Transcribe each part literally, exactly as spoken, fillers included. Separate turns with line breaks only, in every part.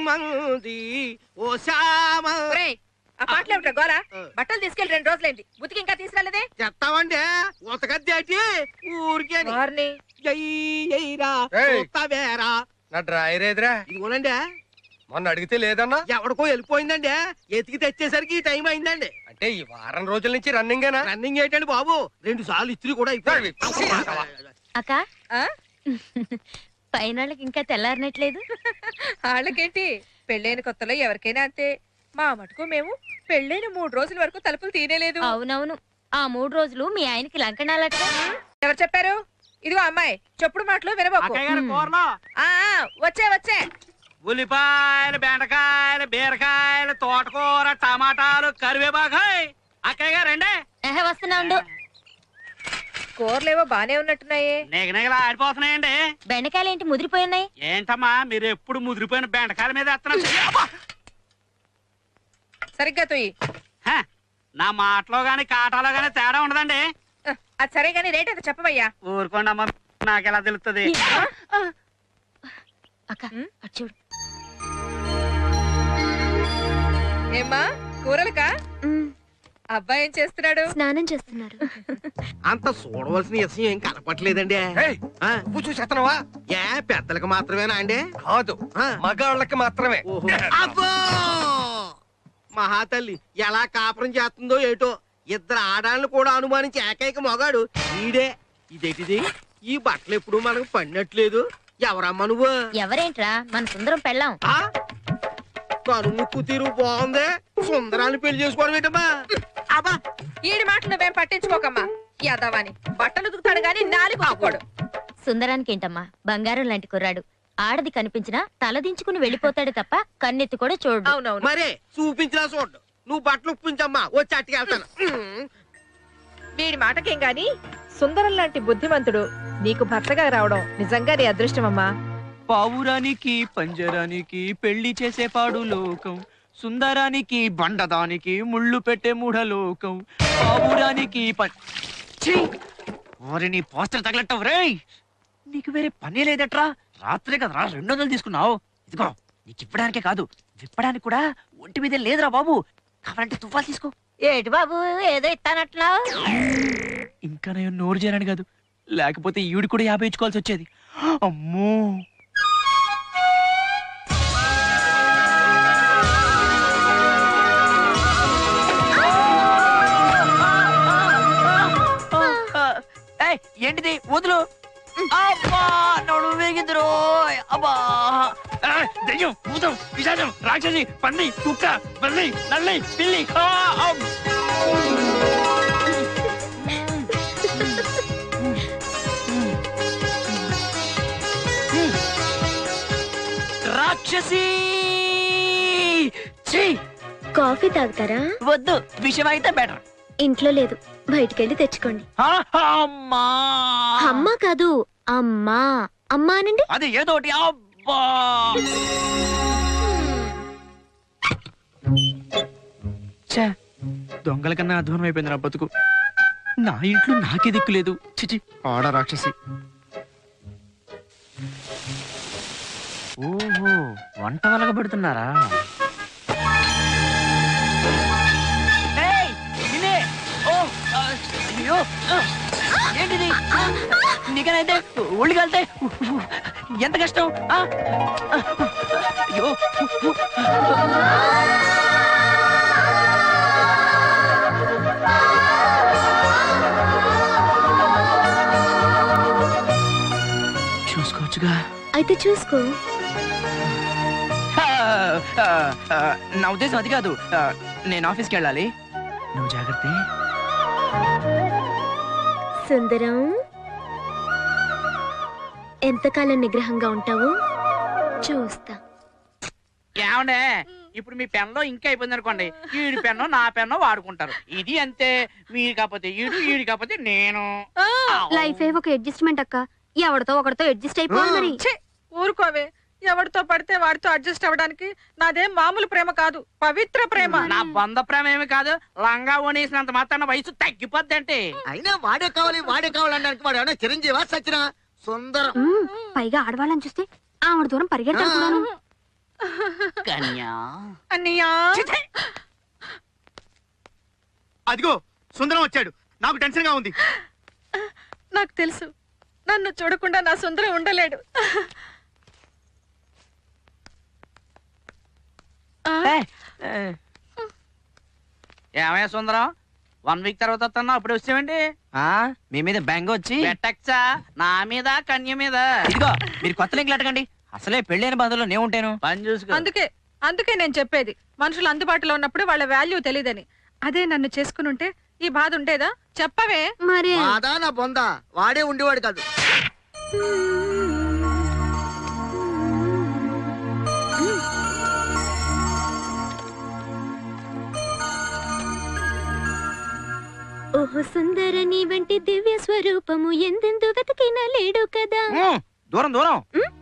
మంది ఓ శ్యామ.
ఆ పాటలు ఏమిటా గోల? బట్టలు తీసుకెళ్లి రెండు రోజులైంది, ఉతికి ఇంకా తీసుకురాలేదే?
చెప్తావండి ఉతకద్దేటి ఊరికే
నా డ్రాయర్ ఏదిరా?
ఇదిగోనండి.
మొన్న అడిగితే లేదన్నా.
ఎవడికో వెళ్ళిపోయిందండి, ఎతికి తెచ్చేసరికి ఈ టైం అయిందండి.
అంటే ఈ వారం రోజుల నుంచి రన్నింగేనా?
రన్నింగ్ ఏంటండి బాబు, రెండు సార్లు ఇస్త్రీ కూడా అయిపోయింది.
అక్క పైనాళ్ళకి ఇంకా తెల్లారినట్లేదు.
వాళ్ళకేంటి, పెళ్ళైన కొత్తలో ఎవరికైనా అంతే. మా మటుకు మేము పెళ్ళైన మూడు రోజుల వరకు తలుపులు తీనేలేదు.
అవునవును, ఆ మూడు రోజులు మీ ఆయనకి లంకణాలట.
ఎవరు చెప్పారు? ఇదిగో అమ్మాయి, చెప్పుడు మాటలు వినబోకు. వచ్చే వచ్చే
ఉల్లిపాయలు, బెండకాయలు, బీరకాయలు, తోటకూర, టమాటాలు, కరివేపాకాయ్. అక్కయ్య గారండి.
వస్తున్నా ఉండు.
కూరలేవో బానే ఉన్నట్టున్నాయే.
నిగనిగలా ఆడిపోతున్నాయండి.
బెండకాయలు ఏంటి ముదిరిపోయి ఉన్నాయి?
ఏంటమ్మా మీరు ఎప్పుడు ముదిరిపోయిన బెండకాయల మీద ఎత్తనా?
సరిగ్గా తొయ్యి.
నా మాటలో గాని కాటాలో గాని తేడా ఉండదండి.
అది సరే గాని రేట్ అయితే చెప్పవయ్యా.
ఊరుకోండి అమ్మా, నాకెలా తెలుస్తుంది?
అక్క చూడు.
ఏమ్మా కూరలకా? అబ్బాయి ఏం చేస్తున్నాడు?
స్నానం చేస్తున్నాడు.
అంత చూడవలసిన విషయం ఏం కనపట్లేదండి.
చూసేస్తున్నావా?
ఏ పెద్దలకు మాత్రమేనా అండి?
కాదు, మగాళ్ళకి మాత్రమే.
అబ్బో మహాతల్లి ఎలా కాపురం చేస్తుందో ఏటో. ఇద్దరు ఆడాలను కూడా అనుమానించి ఏకైక మొగాడు ఈడే. ఇదేటిది, ఈ బట్టలు ఎప్పుడు మనకు పడినట్లేదు. ఎవరమ్మా నువ్వు?
ఎవరేంట్రా, మన సుందరం పెళ్ళాం.
కను ముక్కు తీరు బాగుంది, సుందరాన్ని పెళ్లి చేసుకోవడం ఏంటమ్మా?
అబ్బా ఈడి మాటలు నువ్వేం పట్టించుకోకమ్మా. యాదవాని బట్టలు ఉతుకుతాడు గాని నాలుగు ఆకోడు.
సుందరానికి ఏంటమ్మా, బంగారం లాంటి కుర్రాడు. ఆడది కనిపించినా తలదించుకుని వెళ్ళిపోతాడు తప్ప కన్నెత్తి కూడా చూడు.
అవునవును,
మరే చూపించినా చూడు. నువ్వు బట్టలు ఉప్పించమ్మా, వచ్చి అట్టుకెళ్తాను.
వీడి మాటకేం గాని సుందరం లాంటి బుద్ధిమంతుడు నీకు భర్తగా రావడం నిజంగా నీ అదృష్టమమ్మా.
పావురానికి పంజరానికి పెళ్లి చేసే పాడు లోకం, సుందరానికి బండదానికి ముళ్ళు పెట్టే మూఢలోకం. పావురానికి నీ పోస్టర్ తగలట్టవు రే. నీకు వేరే పని లేదట్రా? రాత్రే కదరా రెండు వందలు తీసుకున్నావు. ఇదిగో నీకు ఇవ్వడానికే కాదు, విప్పడానికి కూడా ఒంటి మీద లేదురా బాబు. కావాలంటే తుఫాలు తీసుకో.
ఏటి బాబు ఏదో ఇస్తానట్లా?
ఇంకా నేను నోరు చేరాను కాదు, లేకపోతే ఈవిడ కూడా యాభై ఇచ్చుకోవాల్సి వచ్చేది. అమ్మో ఏంటిది? వదులు. అబ్బా నడు వేగిందిరో. అబ్బా దయ్యం, భూతం, పిశాచం, రాక్షసి, పంది, కుక్క, బల్లి, నల్లి, పిల్లి. రాక్షసి.
కాఫీ తాగుతారా?
వద్దు, విషయం అయితే బెటర్.
ఇంట్లో లేదు, బయటికెళ్ళి తెచ్చుకోండి.
అమ్మా
అమ్మా కాదు, అమ్మా. అమ్మా అనండి.
అది ఏదోటి. అబ్బా దొంగల కన్నా అధ్వానం అయిపోయింది నా బతుకు. నా ఇంట్లో నాకే దిక్కు లేదు. చిచి ఆడ రాక్షసి. ఓహో వంట వలగ పెడుతున్నారా? అయ్యో ఏంటిది? నీకనైతే ఒళ్ళు కలితే ఎంత కష్టం. అయ్యో చూసుకోవచ్చుగా.
అయితే చూసుకో.
నా ఉద్దేశం అది కాదు, నేను ఆఫీస్కి వెళ్ళాలి. నువ్వు జాగ్రత్త.
సుందరం, ఎంతకాలం నిగ్రహంగా ఉంటావు చూస్తా.
ఏమండే, ఇప్పుడు మీ పెన్లో ఇంకా అయిపోయింది అనుకోండి, ఈడి పెన్ను నా పెన్ను వాడుకుంటారు. ఇది అంతే. మీరు కాకపోతే ఈడు, ఈడు కాకపోతే నేను.
లైఫ్ ఏ ఒక అడ్జస్ట్మెంట్ అక్క. ఎవరితో ఒకరితో అడ్జస్ట్ అయిపోవాలి మరి.
ఊరుకోవే, ఎవరితో పడితే వాడితో అడ్జస్ట్ అవ్వడానికి నాదేం మామూలు ప్రేమ కాదు, పవిత్ర ప్రేమ.
నా బంధ ప్రేమ ఏమి కాదు, లంగా ఓనేసినంత మాత్రాన వయసు తగ్గిపోద్ది అంటే.
అయినా వాడే కావాలి వాడే కావాలనడానికి వాడు ఏమన్నా చిరంజీవా సచ్చినా? సుందరం.
పైగా ఆడవాళ్ళని చూస్తే ఆవిడ దూరం పరిగెడతాను.
కన్యా
అన్నయ్యా
అదిగో సుందరం వచ్చాడు. నాకు టెన్షన్ గా ఉంది.
నాకు తెలుసు నన్ను చూడకుండా నా సుందరం ఉండలేడు.
ఏమయ్యా సుందరం, వన్ వీక్ తర్వాత వస్తున్నా అప్పుడు వచ్చామండి.
మీ మీద బెంగ వచ్చి
పెట్టచ్చా నా మీద కన్య మీద.
ఇదిగో మీరు కొత్త లింకులు అడగండి. అసలే పెళ్ళైన బంధువులో నేను ఉంటాను.
పని చూసుకో.
అందుకే అందుకే నేను చెప్పేది మనుషులు అందుబాటులో ఉన్నప్పుడు వాళ్ళ వాల్యూ తెలియదని. అదే నన్ను చేసుకుని ఉంటే ఈ బాధ ఉండేదా చెప్పవే.
మరి
మాదా నా బొంద వాడే ఉండేవాడు కాదు.
ఓహో సుందర నీ వంటి దివ్య స్వరూపము ఎందెందు వెతకినా లేడు కదా.
ఉమ్, దూరం దూరం.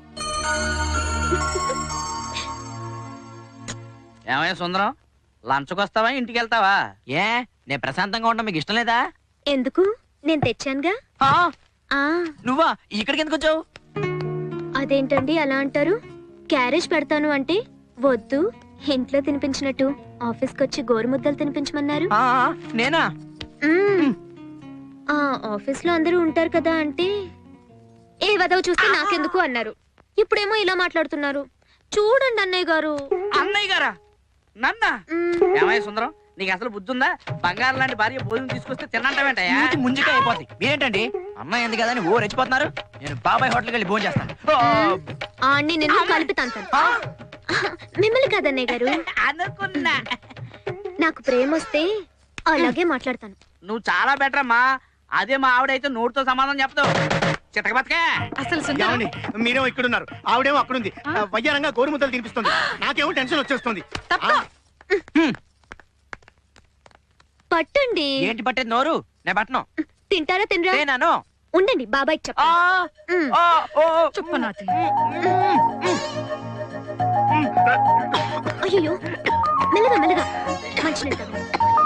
ఏమయ్యా సుందరం, లంచ్కి వస్తావా ఇంటికి వెళ్తావా?
ఏ నేను ప్రశాంతంగా ఉండడం మీకు ఇష్టం లేదా?
ఎందుకు నేను తెచ్చానుగా.
ఆ,
ఆ
నువ్వా ఇక్కడికి ఎందుకు వచ్చావు?
అదేంటండి అలా అంటారు? క్యారేజ్ పెడతాను అంటే వద్దు, ఇంట్లో తినిపించినట్టు ఆఫీస్కి వచ్చి గోరుముద్దలు తినిపించమన్నారు.
ఆ, నేనా?
మ్మ్. ఆ ఆఫీస్ లో అందరూ ఉంటారు కదా అంటే ఏ వదవ చూస్తే నాకెందుకు అన్నారు. ఇప్పుడేమో ఇలా మాట్లాడుతున్నారు. చూడండి అన్నయ్య గారు.
అన్నయ్య గారా? నన్నా?
మ్మ్.
ఏమయ్యా సుందరం, నీకు అసలు బుద్ధి ఉందా? బంగారం లాంటి భార్య భోజనం తీసుకొస్తే తినంటావేంటయ్యా?
మూతి ముంజిగా అయిపోద్ది. మీరేంటండి అమ్మాయి ఎందుకు కదని ఓ రెచ్చిపోతున్నారు? నేను బాబాయ్ హోటల్కి వెళ్ళి భోజనం చేస్తాను.
ఆ అన్ని నిన్ను కలిపి తంతాను. మిమ్మల్ని కాదన్నయ్య గారు.
అనుకున్నా.
నాకు ప్రేమ వస్తే అలాగే మాట్లాడతాను.
నువ్వు చాలా బెటర్ అమ్మా. అదే మా ఆవిడైతే నోటితో సమాధానం చెప్తావు. చితక బతకే.
అసలు సుందరం
ఏమండి, మీరేమో ఇక్కడున్నారు, ఆవిడేమో అక్కడుంది. వయ్యారంగా గోరుముద్దలు తినిపిస్తుంది. నాకేమో టెన్షన్ వచ్చేస్తుంది.
తప్ప
పట్టండి.
ఏంటి పట్టేది నోరు? నేను పట్టను.
తింటారా తినరా?
నేనాను.
ఉండండి బాబాయ్
ఆ,
చెప్తాను. మ్మ్.
ఆ, ఓ, ఓ.
చుప్పనాథి.
అయ్యో మెల్లగా మెల్లగా మంచినీళ్ళు తాగండి.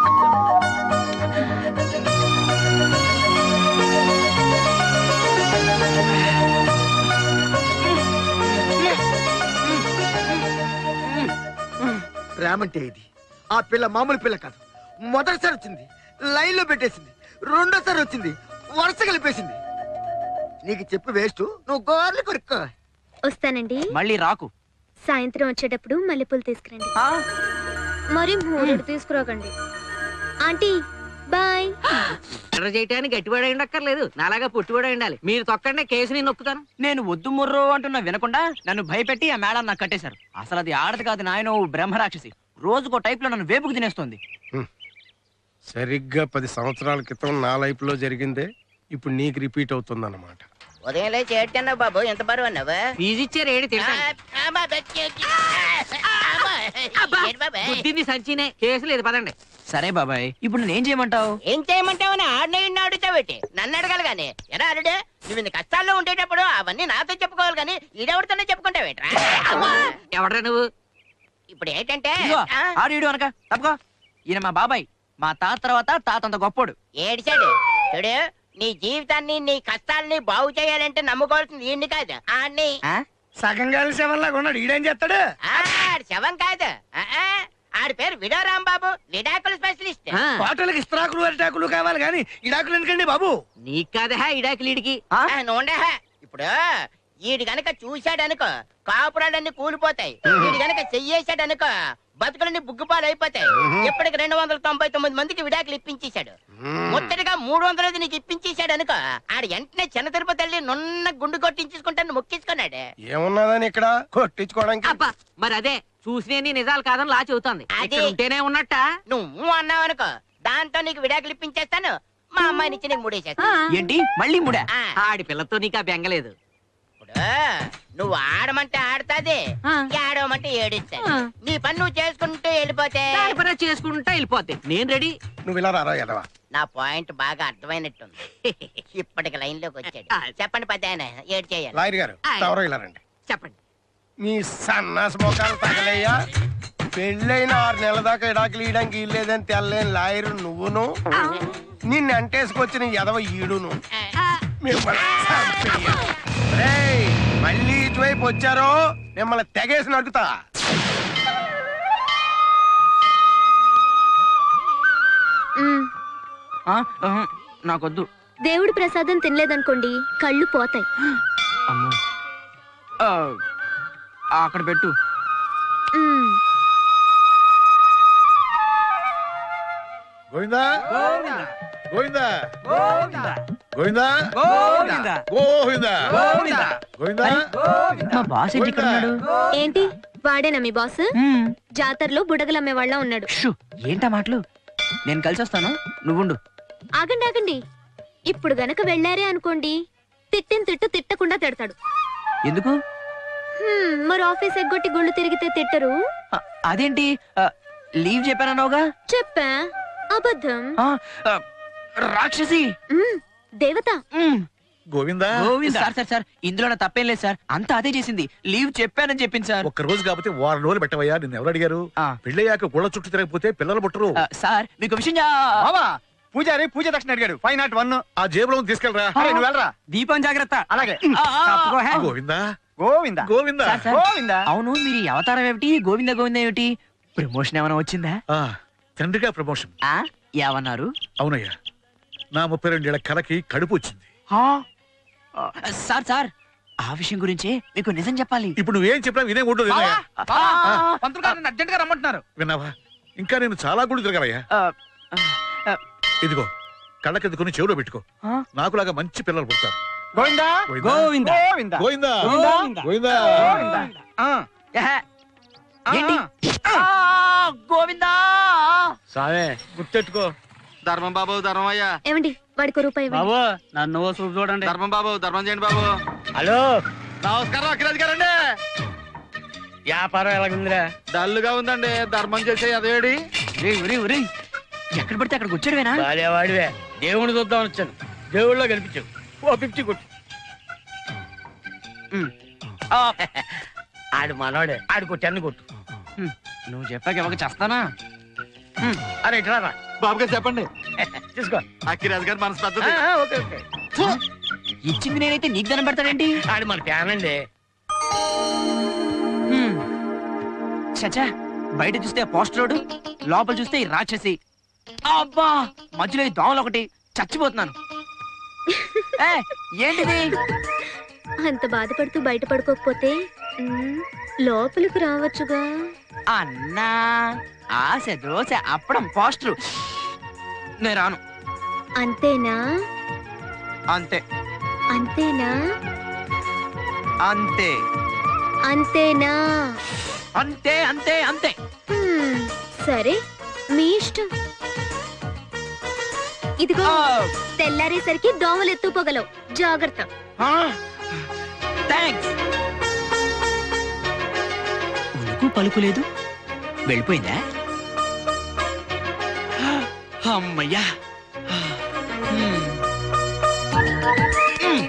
ప్రేమంటే ఇది. ఆ పిల్ల మామూలు పిల్ల కాదు. మొదటిసారి వచ్చింది, లైన్ లో పెట్టేసింది. రెండోసారి వచ్చింది, వరుస కలిపేసింది. నీకు చెప్పు వేస్ట్, నువ్వు గోర్లు కొరుక్కో.
వస్తానండి.
మళ్ళీ రాకు.
సాయంత్రం వచ్చేటప్పుడు మల్లెపూలు తీసుకురండి.
ఆ,
మరి మూడు తీసుకురాకండి. Aunty bye.
ఆర్డర్ చేయడానికి గట్టివాడై ఉండక్కర్లేదు, నాలాగా పుట్టివాడై ఉండాలి. మీరు తొక్కండి, కేసు నేను నొక్కుతాను.
నేను వద్దు ముర్రో అంటున్నా వినకుండా నన్ను భయపెట్టి ఆ మేడం నాకు కట్టేశారు. అసలు అది ఆడది కాదు నాయన, బ్రహ్మరాక్షసి. రోజుకో టైప్ లో నన్ను వేపుకు తినేస్తుంది.
సరిగ్గా పది సంవత్సరాల క్రితం నా లైఫ్ లో జరిగిందే ఇప్పుడు నీకు రిపీట్ అవుతుంది అన్నమాట.
ఉదయం లేచి ఏడ్చన్నావు బాబు, ఎంత బరువు అన్నావు? ఫీజు ఇచ్చారు ఏడు తింటాను. సంచినే కేసు లేదు, పదండి.
సరే బాబాయ్, ఇప్పుడు నేను ఏం చేయమంటావు?
ఏం చేయమంటావు? ఆడిన అడుగుతావేటి? నన్ను అడగాలి గాని. ఎలా అరుడే, నువ్వు ఇన్ని కష్టాల్లో ఉండేటప్పుడు అవన్నీ నాతో చెప్పుకోవాలి గాని ఈడెవరితోనే చెప్పుకుంటావేట్రా? ఎవడ్రా నువ్వు? ఇప్పుడు ఏంటంటే
ఇదిగో, ఆడు ఈడు అనక తప్పుకో. ఈయన మా బాబాయ్, మా తాత తర్వాత తాతంత గొప్పోడు.
ఏడిచాడు చూడు. నీ జీవితాన్ని నీ కష్టాలని బాగు చేయాలంటే నమ్ముకోవాల్సింది ఈయన్ని కాదు, ఆడిని.
ఆ?
సగం కలిసి శవంలాగా ఉన్నాడు. ఈడేం చేస్తాడు?
ఆడి శవం కాదు, ఆ, ఆ, ఆడి పేరు విడో రాంబాబు, విడాకుల స్పెషలిస్ట్.
హోటల్కి ఇస్త్రాకులు అరిటాకులు కావాలి కానీ ఇడాకులు ఎందుకండి బాబు?
నీకు కాదా ఇడాకులు ఈడికి?
ఆ?
నూనె ఇప్పుడు ఈడు గనక చూశాడనుకో కాపురాలన్నీ కూలిపోతాయి. ఈడు గనక చెయ్యేశాడనుకో బతుకులన్నీ బుగ్గుపాలు అయిపోతాయి. ఇప్పటికి రెండు వందల తొంభై తొమ్మిది మందికి విడాకులు ఇప్పించేశాడు. ముట్టడిగా మూడు వందలది నీకు ఇప్పించేశాడు అనుకో, ఆడు వెంటనే చిన్న తిరుపతి వెళ్ళి నున్న గుండు కొట్టించుకుంటాను మొక్కించుకున్నాడు.
ఏమున్నదని ఇక్కడ కొట్టించుకోవడానికి?
అబ్బా మరి అదే చూసిన నిజాలు కాదని లా చెబుతోంది. అది ఉంటేనే ఉన్నట్ట. నువ్వు అన్నావు అనుకో, దాంతో నీకు విడాకులు ఇప్పించేస్తాను, మా అమ్మాయిని ఇచ్చి నీకు ముడేసేస్తాను.
ఏంటి మళ్ళీ ముడా?
ఆడి పిల్లతో నీకు ఆ బెంగలేదు. నువ్వు ఆడమంటే ఆడతాది, ఏడవమంటే ఏడుస్తాది. నీ పని నువ్వు చేసుకుంటూ వెళ్ళిపోతే చేసుకుంటా వెళ్ళిపోతే నేను రెడీ.
నువ్వు ఇలా రారా ఎదవా?
నా పాయింట్ బాగా అర్థమైనట్టుంది. ఇప్పటికి లైన్ లోకి వచ్చాడు. చెప్పండి పెద్ద ఆయన, ఏడు చేయాలి.
లాయర్ గారు ఎవరో ఇలా రండి.
చెప్పండి.
మీ సన్నాస మొఖాలు తగలయ్యా. పెళ్ళైన ఆరు నెలల దాకా ఇడాకులు ఇయడానికి ఇల్లేదని తెల్లేని లాయరు నువ్వును, నిన్ను అంటేసుకొచ్చిన ఎదవ ఈడును. మిమ్మల్ని చంపేయాలి. రేయ్, మళ్ళీ ఇటువైపు వచ్చారో మిమ్మల్ని తెగేసి నడుకుతా.
మ్,
ఆ, ఆహా, నాకొద్దు.
దేవుడి ప్రసాదం తినలేదనుకోండి కళ్ళు పోతాయి.
అమ్మో. ఆ, అక్కడ పెట్టు.
మ్,
గోవిందా గోవిందా
గోవిందా
గోవిందా
గోవిందా
గోవిందా
గోవిందా
గోవిందా
మా బాస్ ఏంటి ఇక్కడ ఉన్నాడు?
ఏంటి వాడేనా మీ బాస్?
మ్,
జాతరలో బుడగలమ్మే వాళ్ళ ఉన్నాడు.
షూ, ఏంటా మాటలు? నేను కలిసి వస్తాను, నువ్వుండు.
ఆగండి ఆగండి, ఇప్పుడు గనక వెళ్ళారే అనుకోండి తిట్టిన తిట్టు తిట్టకుండా తిడతాడు.
ఎందుకు?
హ్మ్, మరి ఆఫీస్ ఎగ్గొట్టి గుళ్ళు తిరిగితే తిట్టరు?
ఆ, అదేంటి ఆ, లీవ్ చెప్పానన్నావుగా?
చెప్పా, అబద్ధం.
ఆ, ఆ, రాక్షసి.
మ్, దేవత.
మ్,
Govinda
Govinda
sir sir sir ఇందులో నా తప్పేం లేదు సార్, అంతా అదే చేసింది. లీవ్ చెప్పానని చెప్పింది సార్.
ఒక్క రోజు కాకపోతే వారం రోజులు పెట్టవయ్యా. నిన్ను ఎవరు అడిగారు?
ఆ.
పెళ్ళయ్యాక గుళ్ళ చుట్టూ తిరగకపోతే పిల్లలు పుట్టరు.
ఆ, సార్ మీకు విషయం చా-
బావా పూజారి పూజ దక్షిణ అడిగాడు ఫైవ్ నాట్ వన్.
ఆ జేబులో ఉంది, తీసుకెళ్ళరా.
నువ్వు వెళ్ళరా.
దీపం జాగ్రత్త.
అలాగే
ఆ, ఆ,
తప్పుకో, హే.
Govinda
Govinda
Govinda
sir, sir.
గోవిందా.
అవును, మీరు ఈ అవతారం ఏమిటి? గోవింద గోవింద ఏమిటి? ప్రమోషన్ ఏమైనా వచ్చిందా?
ఆ, తండ్రిగా ప్రమోషన్.
ఆ ఏమన్నారు?
అవునయ్యా, నా ముప్పై రెండేళ్ల కలకి కడుపు వచ్చింది.
ఆ, ఆ, సార్ సార్ ఆ విషయం గురించే మీకు నిజం చెప్పాలి.
ఇప్పుడు నువ్వేం చెప్పినా వినే ఉండదు.
బావా,
వినయ్యా.
బావా, పంతులు గారు నన్ను అర్జెంట్ గా రమ్మంటున్నారు.
విన్నావా? ఇంకా నేను చాలా గుడి తిరగాలయ్యా.
ఆ, ఆ,
ఇదిగో కళ్ళకెద్దుకుని చెవులో పెట్టుకో.
ఆ?
నాకులాగా మంచి పిల్లలు పుడతారు.
గోవిందా
గోవిందా
గోవిందా
గోవిందా
గోవిందా
గోవిందా
గోవిందా. ఆ,
ఏహే,
ఆ,
ఏంటి?
ఆ.
ఆ, గోవిందా.
సావే గుర్తెట్టుకో.
ధర్మం బాబు ధర్మం అయ్యా.
ఏమండి వాడికి రూపాయి ఇవ్వండి.
బాబు నన్ను చూపు చూడండి.
ధర్మం బాబు ధర్మం చేయండి బాబు.
హలో,
నమస్కారం అఖిరాజ్ గారండి.
వ్యాపారం ఎలాగుందిరా?
డల్లుగా ఉందండి. ధర్మం చేసే అదేడి.
ఒరేయ్, ఒరేయ్, ఒరేయ్, ఎక్కడ పడితే అక్కడికి వచ్చాడువేనా?
వాడివే దేవుని చూద్దాం వచ్చాను. దేవుళ్ళో కనిపించావు. ఓ ఫిఫ్టీ కొట్టు.
ఉమ్. ఆ,
ఆడు మనోడే, ఆడు కొట్టి అన్ని కొట్టు.
ఉమ్, నువ్వు చెప్పాక ఇవ్వక చేస్తానా?
అరే ఇట్లా
బాబు గారు చెప్పండి.
తీసుకో.
అఖిరాజ్ గారు మనసు
ఆ,
పెద్దది.
ఆ, ఓకే ఓకే.
ఇచ్చింది నేనైతే నీకు దండం పెడతాడేంటి?
ఆడు మన ఫ్యాన్ అండి.
హ్మ్. చచ్చా, బయట చూస్తే పోస్టరోడు, లోపల చూస్తే ఈ రాక్షసి. అబ్బా, మధ్యలో ఈ దోమలు ఒకటి, చచ్చిపోతున్నాను. ఏ, ఏంటిది?
అంత బాధపడుతూ బయట పడుకోకపోతే మ్, లోపలికి రావచ్చుగా.
అన్నా, ఆశ దోశ అప్పడం పోస్టరు. నేను రాను.
అంతేనా?
అంతే
అంతేనా?
అంతే
అంతేనా?
అంతే అంతే అంతే.
హ్మ్, సరే మీ ఇష్టం. ఇదిగో తెల్లారేసరికి దోమలు ఎత్తుపోగలవు, జాగ్రత్త.
థ్యాంక్స్. ఉలుకు పలుకు లేదు, వెళ్ళిపోయిందా? అమ్మయ్యా. హ్మ్. హ్మ్.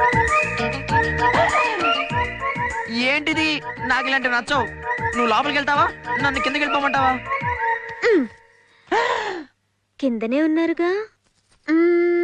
ఏంటిది? నాకు ఇలాంటివి నచ్చవు. నువ్వు లోపలికి వెళ్తావా, నన్ను కిందకి వెళ్ళిపోమంటావా?
కిందనే ఉన్నారుగా. మ్,